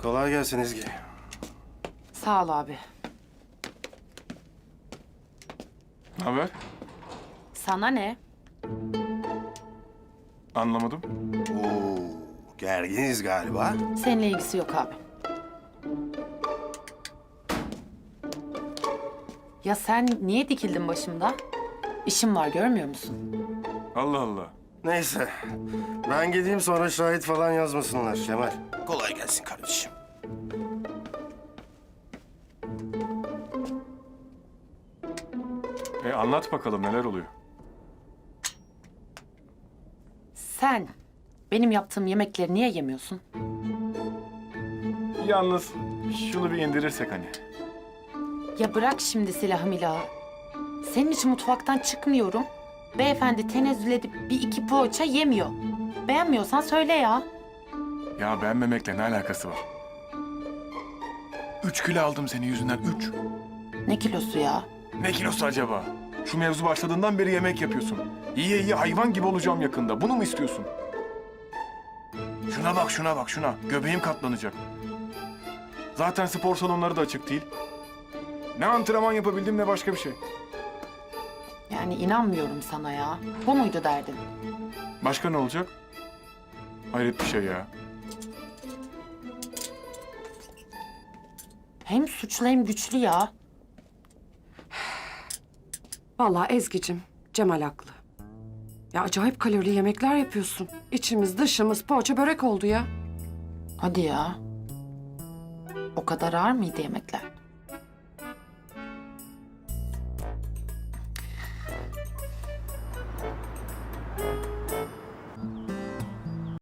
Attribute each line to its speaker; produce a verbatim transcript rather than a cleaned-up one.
Speaker 1: Kolay gelsin Ezgi.
Speaker 2: Sağ ol abi.
Speaker 3: Ne haber?
Speaker 2: Sana ne?
Speaker 3: Anlamadım.
Speaker 1: Oo, gerginiz galiba.
Speaker 2: Seninle ilgisi yok abi. Ya sen niye dikildin başımda? İşim var görmüyor musun?
Speaker 3: Allah Allah.
Speaker 1: Neyse, ben gideyim sonra şahit falan yazmasınlar Kemal. Kolay gelsin kardeşim.
Speaker 3: E anlat bakalım neler oluyor?
Speaker 2: Sen benim yaptığım yemekleri niye yemiyorsun?
Speaker 3: Yalnız şunu bir indirirsek hani.
Speaker 2: Ya bırak şimdi silahı milahı. Senin için mutfaktan çıkmıyorum. Beyefendi tenezzül edip bir iki poğaça yemiyor. Beğenmiyorsan söyle ya.
Speaker 3: Ya beğenmemekle ne alakası var? Üç kilo aldım senin yüzünden, üç.
Speaker 2: Ne kilosu ya?
Speaker 3: Ne kilosu acaba? Şu mevzu başladığından beri yemek yapıyorsun. Yiye yiye hayvan gibi olacağım yakında. Bunu mu istiyorsun? Şuna bak, şuna bak, şuna. Göbeğim katlanacak. Zaten spor salonları da açık değil. Ne antrenman yapabildim ne başka bir şey.
Speaker 2: Yani inanmıyorum sana ya. Bu muydu derdin?
Speaker 3: Başka ne olacak? Hayret bir şey ya.
Speaker 2: Hem suçlu hem güçlü ya.
Speaker 4: Vallahi Ezgi'cim, Cemal haklı. Ya acayip kalorili yemekler yapıyorsun. İçimiz dışımız poğaça börek oldu ya.
Speaker 2: Hadi ya. O kadar ağır mıydı yemekler?